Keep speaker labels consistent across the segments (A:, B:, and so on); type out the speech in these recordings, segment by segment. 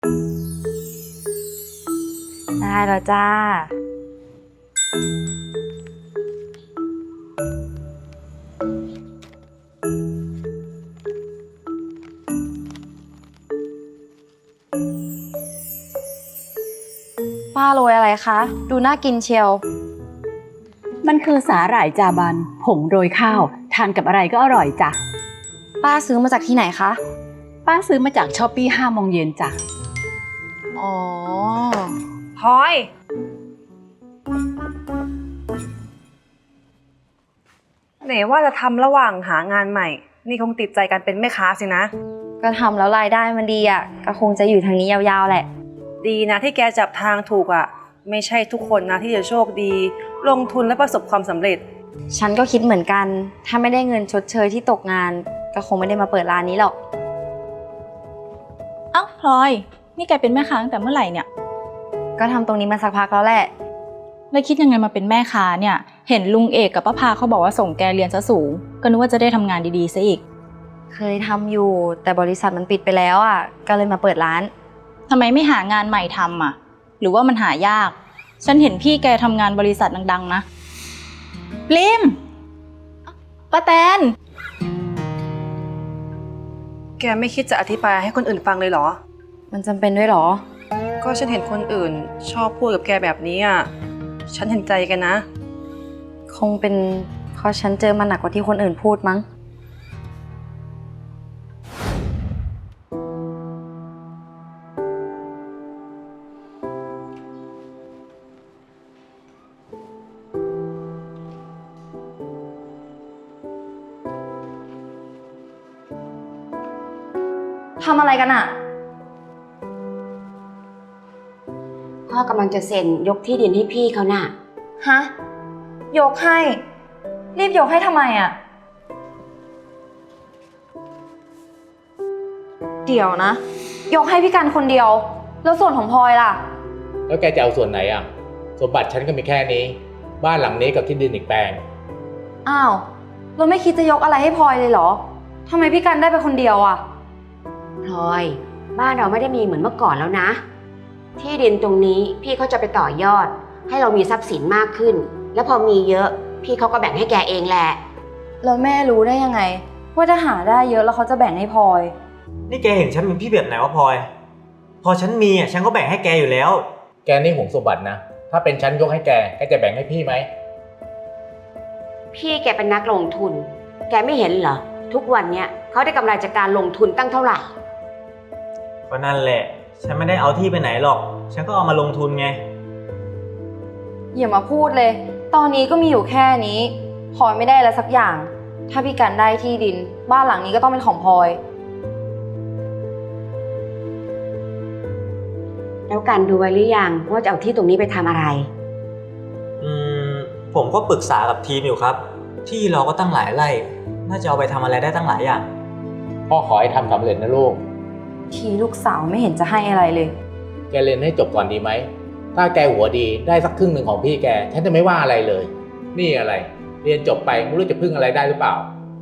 A: ได้แล้วจ้าป้าโรยอะไรคะ ดูน่ากินเชียว
B: มันคือสาหร่ายจาบันผงโรยข้าวทานกับอะไรก็อร่อยจ้ะ
A: ป้าซื้อมาจากที่ไหนคะ
B: ป้าซื้อมาจากช้อปปี้5 โมงเย็นจ้ะ
A: อ๋อ
C: พลอยไหนว่าจะทำระหว่างหางานใหม่ นี่คงติดใจกันเป็นแม่ค้าสินะ
A: ก็ทำแล้วรายได้มันดีอ่ะ ก็คงจะอยู่ทางนี้ยาวๆแหละ
C: ดีนะที่แกจับทางถูกอ่ะ ไม่ใช่ทุกคนนะที่จะโชคดี ลงทุนและประสบความสำเร็จ
A: ฉันก็คิดเหมือนกัน ถ้าไม่ได้เงินชดเชยที่ตกงาน ก็คงไม่ได้มาเปิดร้านนี้หรอก
D: เอ้าพลอย นี่แกเป็นแม่ค้าตั้งแต่เมื่อไหร่เนี่ย
A: ก็ทำตรงนี้มาสักพักแล้วแหละ
D: แล้วคิดยังไงมาเป็นแม่ค้าเนี่ย เห็นลุงเอกกับป้าพาเขาบอกว่าส่งแกเรียนซะสูง ก็นึกว่าจะได้ทำงานดีๆซะอีก
A: เคยทำอยู่ แต่บริษัทมันปิดไปแล้วอ่ะ ก็เลยมาเปิดร้าน
D: ทำไมไม่หางานใหม่ทำอ่ะ หรือว่ามันหายาก ฉันเห็นพี่แกทำงานบริษัทดังๆนะปลิมป้าแตน
C: แกไม่คิดจะอธิบายให้คนอื่นฟังเลยเหรอ
A: มันจำเป็นด้วยเหรอ
C: ก็ฉันเห็นคนอื่นชอบพูดกับแกแบบนี้อ่ะ ฉันเห็นใจแกนะ
A: คงเป็นเพราะฉันเจอมันหนักกว่าที่คนอื่นพูดมั้ง ทำอะไรกันอะ
E: พ่อกำลังจะเซ็นยกที่ดินให้พี่เขาน่ะ
A: ฮะ ยกให้ รีบยกให้ทำไมอะเดี๋ยวนะ ยกให้พี่กันคนเดียว แล้วส่วนของพลอยล่ะ
F: แล้วแกจะเอาส่วนไหนอ่ะ สมบัติฉันก็มีแค่นี้ บ้านหลังนี้กับที่ดินอีกแปลง
A: อ้าว เราไม่คิดจะยกอะไรให้พลอยเลยเหรอ ทำไมพี่กันได้ไปคนเดียวอะ
E: พลอย บ้านเราไม่ได้มีเหมือนเมื่อก่อนแล้วนะ ที่ดินตรงนี้พี่เขาจะไปต่อยอด ให้เรามีทรัพย์สินมากขึ้น แล้วพอมีเยอะ พี่เขาก็แบ่งให้แกเองแหละ
A: แล้วแม่รู้ได้ยังไง ว่าถ้าหาได้เยอะแล้วเขาจะแบ่งให้พลอย
G: นี่แกเห็นฉันเป็นพี่แบบไหนวะพลอย พอฉันมีอ่ะฉันก็แบ่งให้แกอยู่แล้ว
F: แกนี่ห่วงสมบัตินะ ถ้าเป็นฉันยกให้แกจะแบ่งให้พี่ไหม
E: พี่แกเป็นนักลงทุน แกไม่เห็นเหรอ ทุกวันเนี้ยเขาได้กำไรจากการลงทุนตั้งเท่าไหร่
G: ก็นั่นแหละ ฉันไม่ได้เอาที่ไปไหนหรอก ฉันก็เอามาลงทุนไง
A: อย่ามาพูดเลย ตอนนี้ก็มีอยู่แค่นี้ พลอยไม่ได้อะไรสักอย่าง ถ้าพี่กันได้ที่ดิน บ้านหลังนี้ก็ต้องเป็นของพลอย
E: แล้วกันดูไว้หรือยังว่าจะเอาที่ตรงนี้ไปทำอะไร
G: อืม ผมก็ปรึกษากับทีมอยู่ครับ ที่เราก็ตั้งหลายไร่ น่าจะเอาไปทำอะไรได้ตั้งหลายอย่าง
F: พ่อขอให้ทำสำเร็จนะลูก
A: ทีลูกสาวไม่เห็นจะให้อะไรเลย
F: แกเรียนให้จบก่อนดีไหม ถ้าแกหัวดีได้สักครึ่งหนึ่งของพี่แก ฉันจะไม่ว่าอะไรเลย นี่อะไร เรียนจบไปไม่รู้จะพึ่งอะไรได้หรือเปล่า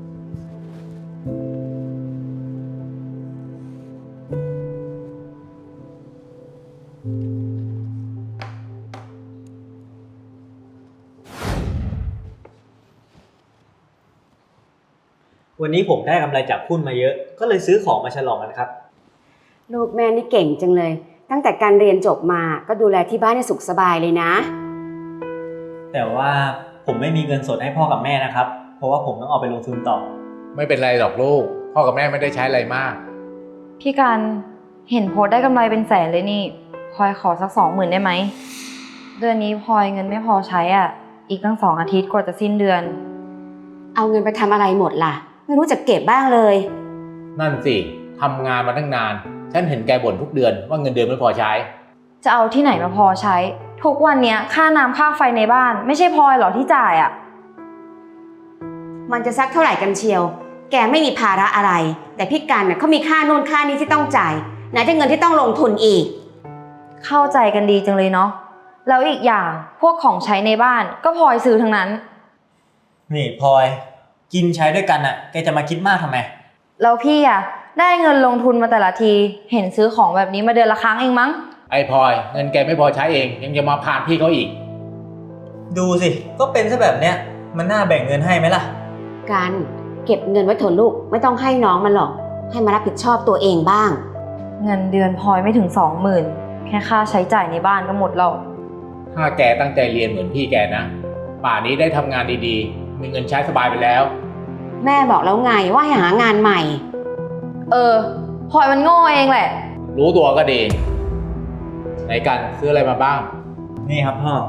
G: วันนี้ผมได้กำไรจากหุ้นมาเยอะ ก็เลยซื้อของมาฉลองกันครับ
E: ลูกแม่นี่เก่งจังเลย ตั้งแต่การเรียนจบมาก็ดูแลที่บ้านให้สุขสบายเลยนะ
G: แต่ว่าผมไม่มีเงินสดให้พ่อกับแม่นะครับ เพราะว่าผมต้องเอาไปลงทุนต่อ
F: ไม่เป็นไรหรอกลูก พ่อกับแม่ไม่ได้ใช้อะไรมาก
A: พี่กันเห็นโพสต์ได้กำไรเป็นแสนเลยนี่พลอยขอสัก20,000ได้ไหม เดือนนี้พลอยเงินไม่พอใช้อ่ะ อีกตั้ง2 อาทิตย์กว่าจะสิ้นเดือน
E: เอาเงินไปทำอะไรหมดล่ะ ไม่รู้จะเก็บบ้างเลย
F: นั่นสิทำงานมาตั้งนาน ฉันเห็นแกบ่นทุกเดือนว่าเงินเดือนไม่พอใช้
A: จะเอาที่ไหนมาพอใช้ ทุกวันเนี้ยค่าน้ำค่าไฟในบ้าน ไม่ใช่พลอยเหรอที่จ่ายอ่ะ
E: มันจะสักเท่าไหร่กันเชียว แกไม่มีภาระอะไร แต่พี่กันน่ะเขามีค่าโน่นค่านี้ที่ต้องจ่ายไหนจะเงินที่ต้องลงทุนอีก
A: เข้าใจกันดีจังเลยเนาะ แล้วอีกอย่างพวกของใช้ในบ้านก็พลอยซื้อทั้งนั้น
G: นี่พลอย กินใช้ด้วยกันอ่ะ แกจะมาคิดมากทำไม
A: แล้วพี่อ่ะได้เงินลงทุนมาแต่ละที เห็นซื้อของแบบนี้มาเดือนละครั้งเองมั้ง
F: ไอ้พลอยเงินแกไม่พอใช้เองยังจะมาพานพี่เขาอีก
G: ดูสิ ก็เป็นซะแบบเนี้ย มันน่าแบ่งเงินให้ไหมล่ะ
E: กันเก็บเงินไว้เถอะลูกไม่ต้องให้น้องมันหรอกให้มารับผิดชอบตัวเองบ้าง
A: เงินเดือนพลอยไม่ถึง 20,000แค่ค่าใช้จ่ายในบ้านก็หมดแล้ว
F: ถ้าแกตั้งใจเรียนเหมือนพี่แกนะ ป่านนี้ได้ทำงานดีๆ มีเงินใช้สบายไปแล้ว
E: แม่บอกแล้วไงว่าให้หางานใหม่
A: พลอยมันโง่เองแหละ
F: รู้ตัวก็ดีไหนกันซื้ออะไรมาบ้าง
G: นี่ครับพ่อ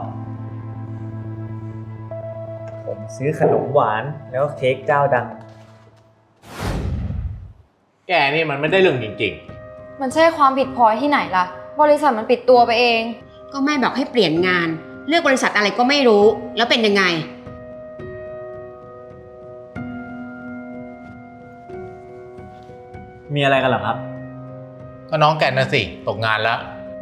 G: ผมซื้อขนมหวานแล้วเค้กเจ้าดัง
F: แกนี่มันไม่ได้เรื่องจริง
A: มันใช่ความผิดพลอยที่ไหนล่ะ บริษัทมันปิดตัวไปเอง
E: ก็แม่บอกให้เปลี่ยนงานเลือกบริษัทอะไรก็ไม่รู้แล้วเป็นยังไง
G: มีอะไรกันเหรอครับ
F: ๆ ก็น้องแกน่ะสิตกงานแล้ว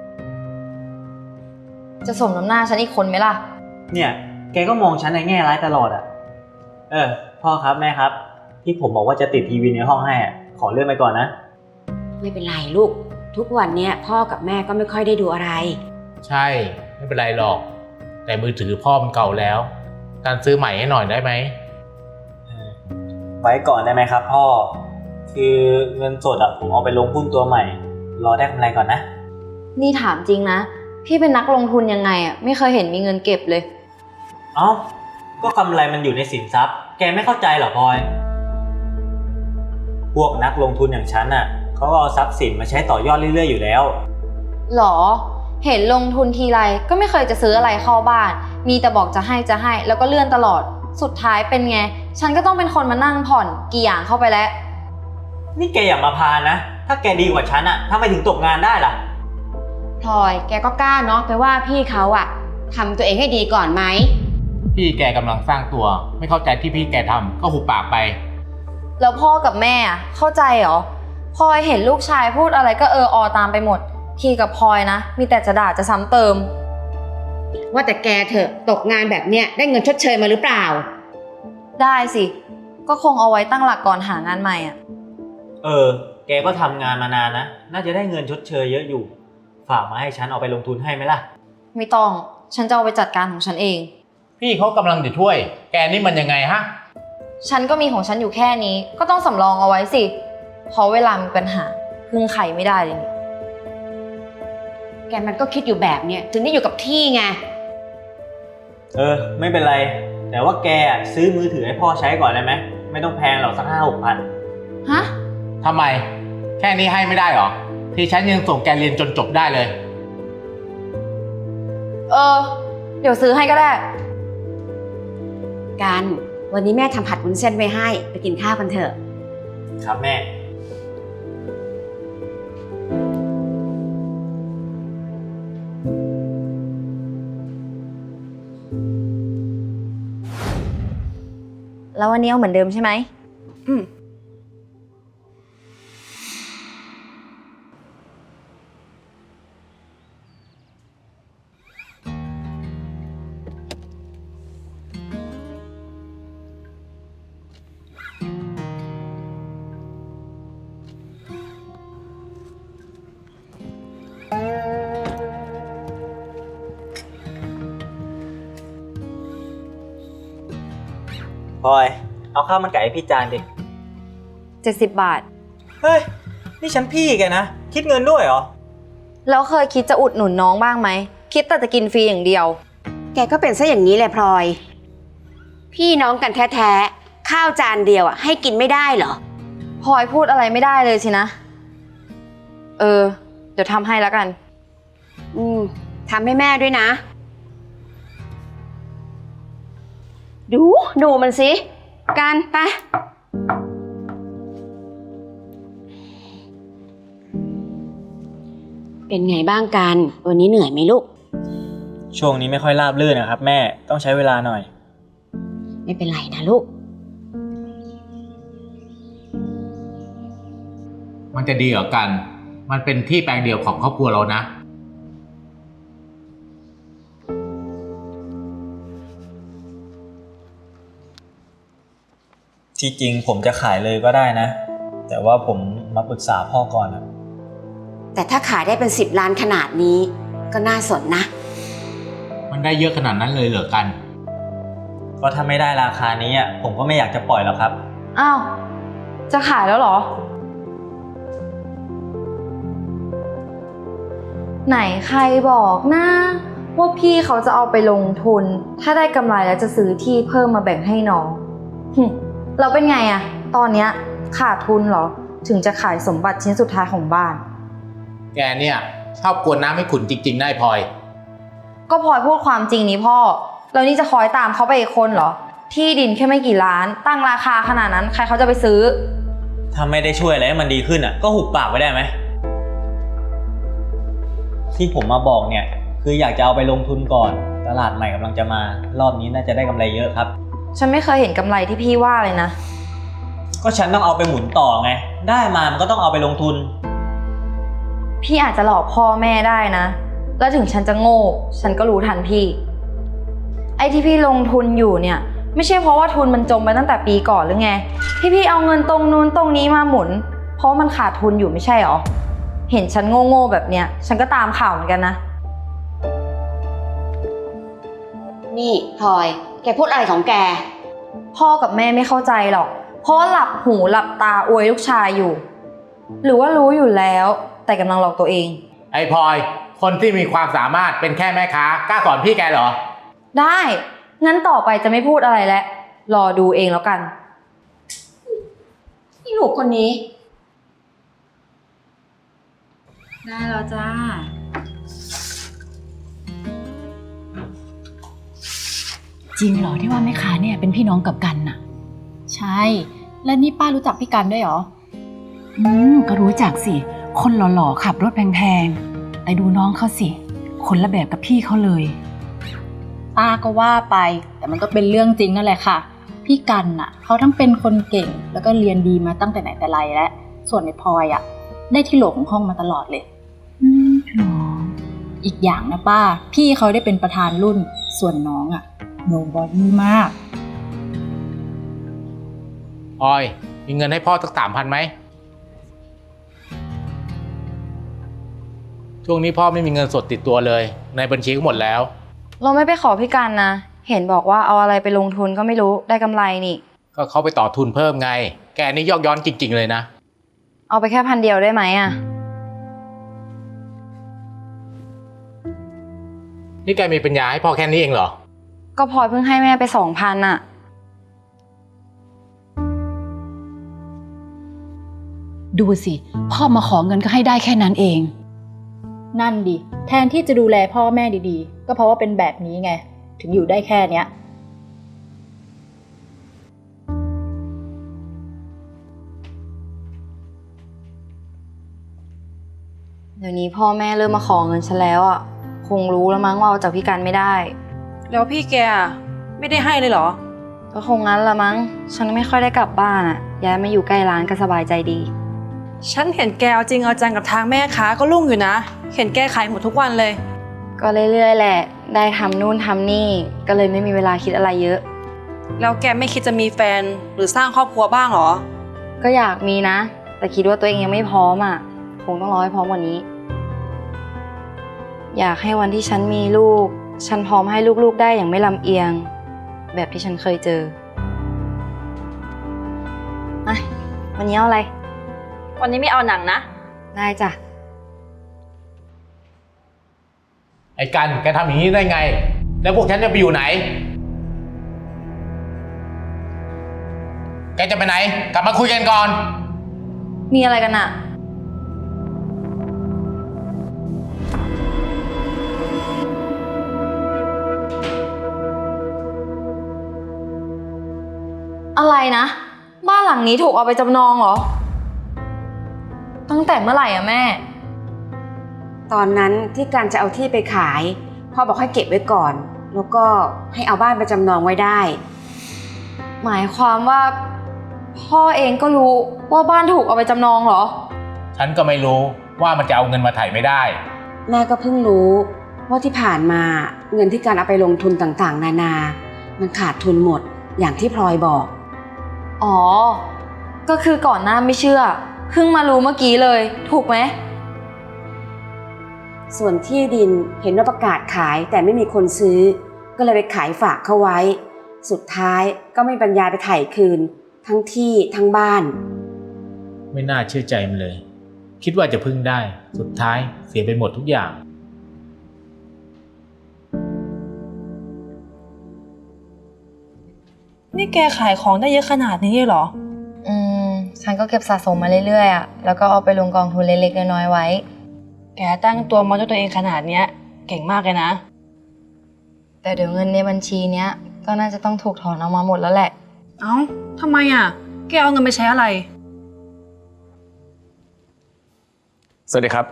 A: จะสมน้ำหน้าฉันอีกคนไหมล่ะ
G: เนี่ย แกก็มองฉันในแง่ร้ายตลอดอ่ะ พ่อครับแม่ครับ ที่ผมบอกว่าจะติดทีวีในห้องให้อ่ะ ขอเลื่อนไปก่อนนะ
E: ไม่เป็นไรลูกทุกวันเนี้ยพ่อกับแม่ก็ไม่ค่อยได้ดูอะไร
F: ใช่ไม่เป็นไรหรอก แต่มือถือพ่อมันเก่าแล้ว การซื้อใหม่ให้หน่อยได้ไหม
G: ไว้ก่อนได้ไหมครับพ่อ คือเงินสดอ่ะผมเอาไปลงหุ้นตัวใหม่ รอได้กำไรก่อนนะ
A: นี่ถามจริงนะ พี่เป็นนักลงทุนยังไงอ่ะ ไม่เคยเห็นมีเงินเก็บเลย
G: เอ้า ก็กำไรมันอยู่ในสินทรัพย์ แกไม่เข้าใจเหรอพลอย พวกนักลงทุนอย่างฉันน่ะเขาก็เอาทรัพย์สินมาใช้ต่อยอดเรื่อยๆอยู่แล้ว
A: หรอ เห็นลงทุนทีไรก็ไม่เคยจะซื้ออะไรเข้าบ้าน มีแต่บอกจะให้แล้วก็เลื่อนตลอด สุดท้ายเป็นไง ฉันก็ต้องเป็นคนมานั่งผ่อนกี่อย่างเข้าไปแล้ว
G: นี่แกอย่ามาพานนะ ถ้าแกดีกว่าฉันอ่ะทำไมถึงตกงานได้ล่ะ
E: พลอยแกก็กล้าเนาะไปว่าพี่เขาอะทำตัวเองให้ดีก่อนไหม
F: พี่แกกำลังสร้างตัว ไม่เข้าใจที่พี่แกทำก็หุบปากไป
A: แล้วพ่อกับแม่อะเข้าใจเหรอพลอยเห็นลูกชายพูดอะไรก็อตามไปหมด ทีกับพลอยนะ มีแต่จะด่าจะซ้ำเติม
E: ว่าแต่แกเถอะตกงานแบบเนี้ยได้เงินชดเชยมาหรือเปล่า
A: ได้สิ ก็คงเอาไว้ตั้งหลักก่อนหางานใหม่อ่ะ
G: แกก็ทำงานมานานนะ น่าจะได้เงินชดเชยเยอะอยู่ ฝากมาให้ฉันเอาไปลงทุนให้ไหมล่ะ
A: ไม่ต้อง ฉันจะเอาไปจัดการของฉันเอง
F: พี่เขากำลังจะช่วย แกนี่มันยังไงฮะ
A: ฉันก็มีของฉันอยู่แค่นี้ ก็ต้องสำรองเอาไว้สิ เพราะเวลามีปัญหาพึ่งใครไม่ได้เลยนี่
E: แกมันก็คิดอยู่แบบเนี้ยถึงได้อยู่กับที่ไง
G: ไม่เป็นไร แต่ว่าแกอะซื้อมือถือให้พ่อใช้ก่อนได้ไหม ไม่ต้องแพงหรอกสัก5-6 พัน
A: ฮะ
F: ทำไม แค่นี้ให้ไม่ได้หรอ ที่ฉันยังส่งแกเรียนจนจบได้เลย
A: เดี๋ยวซื้อให้ก็ได้
E: กันวันนี้แม่ทำผัดวุ้นเส้นไว้ให้ไปกินข้าวกันเถอะ
G: ครับแม่
A: แล้ววันนี้เอาเหมือนเดิมใช่ไหม
G: พลอย เอาข้าวมันไก่ให้พี่จานดิ
A: 70 บาท
G: เฮ้ย นี่ฉันพี่แกนะ คิดเงินด้วยเหรอ
A: แล้วเคยคิดจะอุดหนุนน้องบ้างไหม คิดแต่จะกินฟรีอย่างเดียว
E: แกก็เป็นซะอย่างนี้แหละพลอย พี่น้องกันแท้ๆข้าวจานเดียวอะให้กินไม่ได้เหรอ
A: พลอยพูดอะไรไม่ได้เลยสินะ เดี๋ยวทำให้แล้วกัน
E: ทำให้แม่ด้วยนะ ดูมันสิกันไปเป็นไงบ้างกันวันนี้เหนื่อยไหมลูก
G: ช่วงนี้ไม่ค่อยราบรื่นนะครับแม่ ต้องใช้เวลาหน่อย
E: ไม่เป็นไรนะลูก
F: มันจะดีเหรอกัน มันเป็นที่แปลงเดียวของครอบครัวเรานะ
G: ที่จริงผมจะขายเลยก็ได้นะ แต่ว่าผมมาปรึกษาพ่อก่อนนะ
E: แต่ถ้าขายได้เป็น10 ล้านขนาดนี้ก็น่าสนนะ
F: มันได้เยอะขนาดนั้นเลยเหรอกัน
G: ก็ถ้าไม่ได้ราคานี้อะผมก็ไม่อยากจะปล่อยแล้วครับ
A: อ้าว จะขายแล้วเหรอ ไหนใครบอกนะว่าพี่เขาจะเอาไปลงทุน ถ้าได้กำไรแล้วจะซื้อที่เพิ่มมาแบ่งให้น้องเราเป็นไงอะตอนเนี้ยขาดทุนเหรอ ถึงจะขายสมบัติชิ้นสุดท้ายของบ้าน
F: แกเนี่ยชอบกวนน้ำให้ขุ่นจริงๆได้พลอย
A: ก็พลอยพูดความจริงนี่พ่อ แล้วนี่จะคอยตามเขาไปอีกคนเหรอ ที่ดินแค่ไม่กี่ล้าน ตั้งราคาขนาดนั้นใครเขาจะไปซื้อ
G: ถ้าไม่ได้ช่วยอะไรให้มันดีขึ้นอ่ะก็หุบปากไว้ได้ไหมที่ผมมาบอกเนี่ยคืออยากจะเอาไปลงทุนก่อนตลาดใหม่กำลังจะมารอบนี้น่าจะได้กำไรเยอะครับ
A: ฉันไม่เคยเห็นกำไรที่พี่ว่าเลยนะ
G: ก็ฉันต้องเอาไปหมุนต่อไงได้มามันก็ต้องเอาไปลงทุน
A: พี่อาจจะหลอกพ่อแม่ได้นะ แล้วถึงฉันจะโง่ ฉันก็รู้ทันพี่ ไอ้ที่พี่ลงทุนอยู่เนี่ย ไม่ใช่เพราะว่าทุนมันจมไปตั้งแต่ปีก่อนหรือไง ที่พี่เอาเงินตรงนู้นตรงนี้มาหมุน เพราะมันขาดทุนอยู่ไม่ใช่หรอ เห็นฉันโง่ๆแบบเนี้ย ฉันก็ตามข่าวเหมือนกันนะ
E: นี่พลอย แกพูดอะไรของแก
A: พ่อกับแม่ไม่เข้าใจหรอก เพราะว่าหลับหูหลับตาอวยลูกชายอยู่ หรือว่ารู้อยู่แล้ว แต่กำลังหลอกตัวเอง
F: ไอ้พลอย คนที่มีความสามารถเป็นแค่แม่ค้ากล้าสอนพี่แกเหรอ
A: ได้ งั้นต่อไปจะไม่พูดอะไรแล้ว รอดูเองแล้วกัน
E: นี่ลูกคนนี้
D: ได้แล้วจ้า
B: จริงเหรอที่ว่าแม่ค้าเนี่ยเป็นพี่น้องกับกันน่ะ
D: ใช่ แล้วนี่ป้ารู้จักพี่กันด้วยเหรอ
B: ก็รู้จักสิ คนหล่อๆขับรถแพงๆแต่ดูน้องเขาสิ คนละแบบกับพี่เขาเลย
D: ป้าก็ว่าไป แต่มันก็เป็นเรื่องจริงนั่นแหละค่ะ พี่กันน่ะเขาทั้งเป็นคนเก่งแล้วก็เรียนดีมาตั้งแต่ไหนแต่ไรแล้วส่วนในพลอยอ่ะได้ที่โหลของห้องมาตลอดเลย
B: หรอ
D: อีกอย่างนะป้า พี่เขาได้เป็นประธานรุ่น ส่วนน้องอ่ะโนบอดี้มาก
F: พลอย มีเงินให้พ่อสัก3,000ไหม ช่วงนี้พ่อไม่มีเงินสดติดตัวเลย ในบัญชีก็หมดแล้ว
A: เราไม่ไปขอพี่กันนะ เห็นบอกว่าเอาอะไรไปลงทุนก็ไม่รู้ได้กำไรนี่
F: ก็เขาไปต่อทุนเพิ่มไง แกนี่ยอกย้อนจริงๆเลยนะ
A: เอาไปแค่1,000 เดียวได้ไหมอะ
F: นี่แกมีปัญญาให้พ่อแค่นี้เองเหรอ
A: ก็พลอยเพิ่งให้แม่ไป2,000อะ
B: ดูสิพ่อมาขอเงินก็ให้ได้แค่นั้นเอง
D: นั่นดิแทนที่จะดูแลพ่อแม่ดีๆ ก็เพราะว่าเป็นแบบนี้ไงถึงอยู่ได้แค่เนี้ย
A: เดี๋ยวนี้พ่อแม่เริ่มมาขอเงินฉันแล้วอะคงรู้แล้วมั้งว่าเอาจากพี่กันไม่ได้
C: แล้วพี่แกไม่ได้ให้เลยเหรอ
A: ก็คงงั้นละมั้ง ฉันไม่ค่อยได้กลับบ้านอะย้ายมาอยู่ใกล้ร้านก็สบายใจดี
C: ฉันเห็นแกเอาจริงเอาจังกับทางแม่ค้าก็รุ่งอยู่นะ เห็นแกขายหมดทุกวันเลย
A: ก็เรื่อยๆแหละ ได้ทำนู่นทำนี่ ก็เลยไม่มีเวลาคิดอะไรเยอะ
C: แล้วแกไม่คิดจะมีแฟนหรือสร้างครอบครัวบ้างเหรอ
A: ก็อยากมีนะ แต่คิดว่าตัวเองยังไม่พร้อมอะคงต้องรอให้พร้อมกว่านี้ อยากให้วันที่ฉันมีลูก ฉันพร้อมให้ลูกๆได้อย่างไม่ลำเอียง แบบที่ฉันเคยเจออะวันนี้เอาอะไร
D: วันนี้ไม่เอาหนังนะ
A: ได้จ้ะ
F: ไอ้กัน แกทำอย่างนี้ได้ไง แล้วพวกฉันจะไปอยู่ไหน แกจะไปไหน กลับมาคุยกันก่อน
A: มีอะไรกันอะอะไรนะ บ้านหลังนี้ถูกเอาไปจำนองเหรอ ตั้งแต่เมื่อไหร่อะแม่
E: ตอนนั้นที่การจะเอาที่ไปขายพ่อบอกให้เก็บไว้ก่อน แล้วก็ให้เอาบ้านไปจำนองไว้ได้
A: หมายความว่า พ่อเองก็รู้ว่าบ้านถูกเอาไปจำนองเหรอ
F: ฉันก็ไม่รู้ว่ามันจะเอาเงินมาไถ่ไม่ได้
E: แม่ก็เพิ่งรู้ว่าที่ผ่านมาเงินที่การเอาไปลงทุนต่างๆ นานา มันขาดทุนหมดอย่างที่พลอยบอก
A: อ๋อ ก็คือก่อนหน้าไม่เชื่อ พเพิ่งมารู้เมื่อกี้เลย ถูกไหม
E: ส่วนที่ดินเห็นว่าประกาศขายแต่ไม่มีคนซื้อ ก็เลยไปขายฝากเขาไว้ สุดท้ายก็ไม่มีปัญญาไปไถ่คืน ทั้งที่ทั้งบ้าน
F: ไม่น่าเชื่อใจมันเลย คิดว่าจะพึ่งได้ สุดท้ายเสียไปหมดทุกอย่าง
C: นี่แกขายของได้เยอะขนาดนี้เลยเหรอ
A: ฉันก็เก็บสะสมมาเรื่อยๆอะแล้วก็เอาไปลงกองทุนเล็กๆน้อยๆไว้
C: แกตั้งตัวมาด้วยตัวเองขนาดเนี้ย เก่งมากเลยนะ
A: แต่เดี๋ยวเงินในบัญชีเนี้ยก็น่าจะต้องถูกถอนออกมาหมดแล้วแหละ
C: เอ้าทำไมอ่ะ แกเอาเงินไปใช้อะไร
H: สวัสดีครับ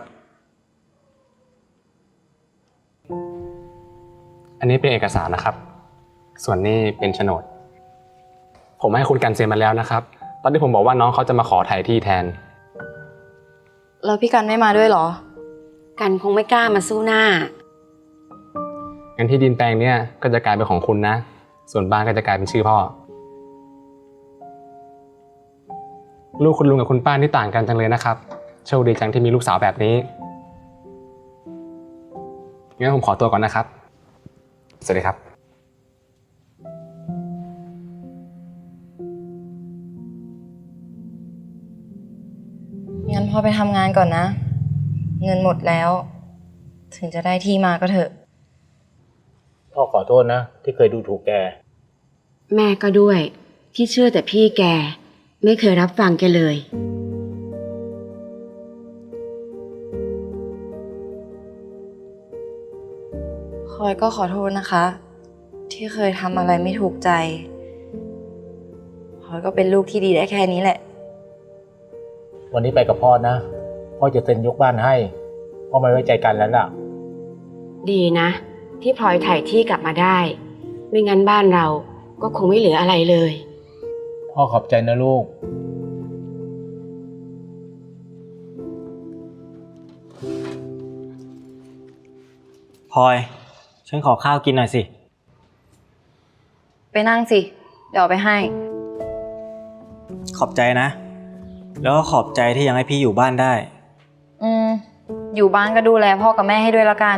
H: อันนี้เป็นเอกสารนะครับ ส่วนนี้เป็นโฉนด ผมให้คุณกันเซ็นมาแล้วนะครับ ตอนที่ผมบอกว่าน้องเขาจะมาขอถ่ายที่แทน
A: แล้วพี่กันไม่มาด้วยเหรอ
E: กันคงไม่กล้ามาสู้หน้า
H: งั้นที่ดินแปลงเนี้ยก็จะกลายเป็นของคุณนะ ส่วนบ้านก็จะกลายเป็นชื่อพ่อ ลูกคุณลุงกับคุณป้าที่ต่างกันจังเลยนะครับ โชคดีจังที่มีลูกสาวแบบนี้ งั้นผมขอตัวก่อนนะครับ สวัสดีครับ
A: งั้นพอไปทำงานก่อนนะ เงินหมดแล้ว ถึงจะได้ที่มาก็เถอะ
F: พ่อขอโทษนะ ที่เคยดูถูกแก
E: แม่ก็ด้วยที่เชื่อแต่พี่แก ไม่เคยรับฟังแกเลย
A: พลอยก็ขอโทษนะคะ ที่เคยทำอะไรไม่ถูกใจพลอยก็เป็นลูกที่ดีได้แค่นี้แหละ
F: วันนี้ไปกับพ่อนะ พ่อจะเซ็นยกบ้านให้ พ่อไม่ไว้ใจกันแล้วล่ะ
E: ดีนะ ที่พลอยถ่ายที่กลับมาได้ ไม่งั้นบ้านเราก็คงไม่เหลืออะไรเลย
F: พ่อขอบใจนะลูก
G: พลอย ฉันขอข้าวกินหน่อยสิ
A: ไปนั่งสิ เดี๋ยวเอาไปให้
G: ขอบใจนะ แล้วก็ขอบใจที่ยังให้พี่อยู่บ้านได้
A: อยู่บ้านก็ดูแลพ่อกับแม่ให้ด้วยละกัน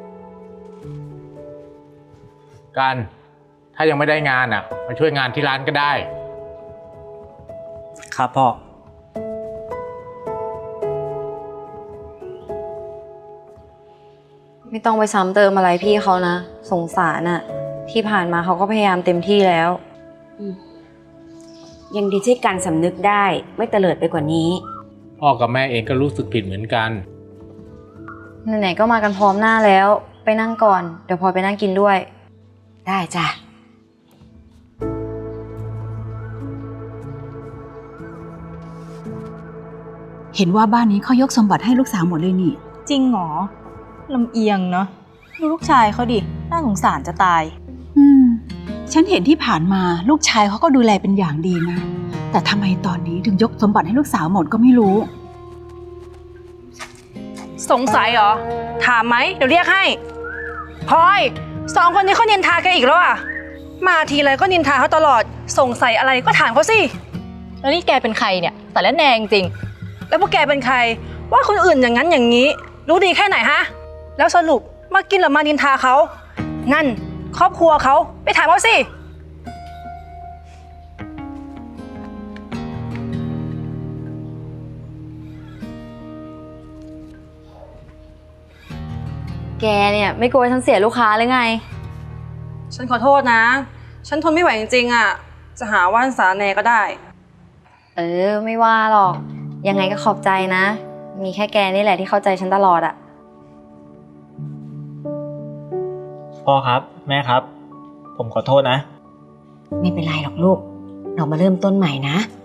F: กัน ถ้ายังไม่ได้งานอ่ะ มาช่วยงานที่ร้านก็ได้
G: ครับพ่อ
A: ไม่ต้องไปซ้ำเติมอะไรพี่เขานะ สงสารน่ะ ที่ผ่านมาเขาก็พยายามเต็มที่แล้ว
E: ยังดีที่การสำนึกได้ไม่เตลิดไปกว่านี้
F: พ่อกับแม่เองก็รู้สึกผิดเหมือนกัน
A: ไหนๆก็มากันพร้อมหน้าแล้ว ไปนั่งก่อน เดี๋ยวพลอยไปนั่งกินด้วย
E: ได้จ้ะ
B: เห็นว่าบ้านนี้เขายกสมบัติให้ลูกสาวหมดเลยนี่
D: จริงเหรอลำเอียงเนาะดูลูกชายเขาดิ น่าสงสารจะตาย
B: ฉันเห็นที่ผ่านมาลูกชายเขาก็ดูแลเป็นอย่างดีนะ แต่ทำไมตอนนี้ถึงยกสมบัติให้ลูกสาวหมดก็ไม่รู้
C: สงสัยเหรอ ถามไหม เดี๋ยวเรียกให้พลอยสองคนนี้เขานินทาแกอีกแล้วอ่ะ มาทีไรก็นินทาเขาตลอด สงสัยอะไรก็ถามเขาสิ
D: แล้วนี่แกเป็นใครเนี่ย แต่ละแนงจริง
C: แล้วพวกแกเป็นใคร ว่าคนอื่นอย่างนั้นอย่างนี้ รู้ดีแค่ไหนฮะ แล้วสรุปมากินหรือมานินทาเขา นั่นครอบครัวเขาไปถามเขาสิ
A: แกเนี่ยไม่กลัวฉันเสียลูกค้าหรือไง
C: ฉันขอโทษนะ ฉันทนไม่ไหวจริงๆอ่ะ จะหาว่าสาแหนก็ได้
A: ไม่ว่าหรอก ยังไงก็ขอบใจนะ มีแค่แกนี่แหละที่เข้าใจฉันตลอดอะ
G: พ่อครับ แม่ครับ ผมขอโทษนะ
E: ไม่เป็นไรหรอกลูก เรามาเริ่มต้นใหม่นะ